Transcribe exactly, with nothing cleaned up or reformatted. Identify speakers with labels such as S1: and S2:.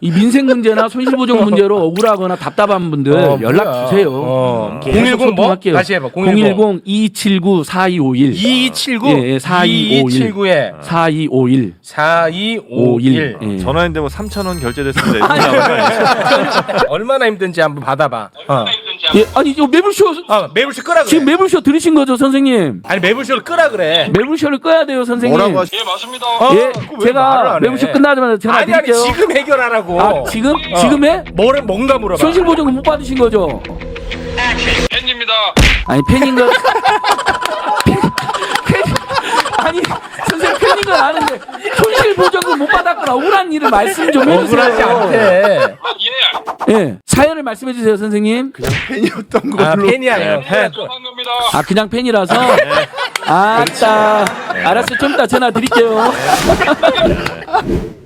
S1: 이 민생 문제나 손실보정 문제로 억울하거나 답답한 분들
S2: 어,
S1: 연락
S2: 뭐야.
S1: 주세요.
S2: 어.
S1: 계속
S2: 공일공 뭐?
S1: 소통할게요.
S2: 다시 해봐.
S1: 공일공 이이칠구 사이오일
S2: 이이칠구
S1: 예, 예, 사이오일
S2: 이이칠구에
S1: 사이오일
S2: 사이오일
S1: 예.
S3: 전화했는데 뭐 삼천 원 결제됐습니다. 이렇게 나오는 거 아니에요?
S2: 얼마나 힘든지 한번 받아봐. 어.
S1: 예, 아니 이거 매불쇼
S2: 어, 매불쇼 끄라 그래.
S1: 지금 매불쇼 들으신 거죠, 선생님?
S2: 아니 매불쇼를 끄라 그래.
S1: 매불쇼를 꺼야 돼요, 선생님.
S3: 뭐라고 하시?
S4: 예 맞습니다.
S2: 어,
S1: 예,
S2: 그거 왜 말을
S1: 제가
S2: 안 해?
S1: 매불쇼 끝나자마자 전화
S2: 아니 아니
S1: 드릴게요.
S2: 지금 해결하라고.
S1: 아, 지금?
S2: 어.
S1: 지금 해?
S2: 뭐를 뭔가 물어봐.
S1: 손실보정은 못 받으신 거죠?
S4: 팬입니다.
S1: 아니 팬인 건 팬, 팬, 아니 선생님 팬인 건 아는데 손실보정은 못 받았거나 억울한 일을 말씀 좀
S2: 억울하지
S1: 해주세요.
S2: 않대.
S4: 아, 예.
S1: 예, 사연을 말씀해 주세요, 선생님.
S3: 팬이었던 걸로.
S2: 아 팬이 아니에요. 팬.
S4: 한 겁니다.
S1: 아 그냥 팬이라서. 아따, 알았어, 좀 이따 전화 드릴게요.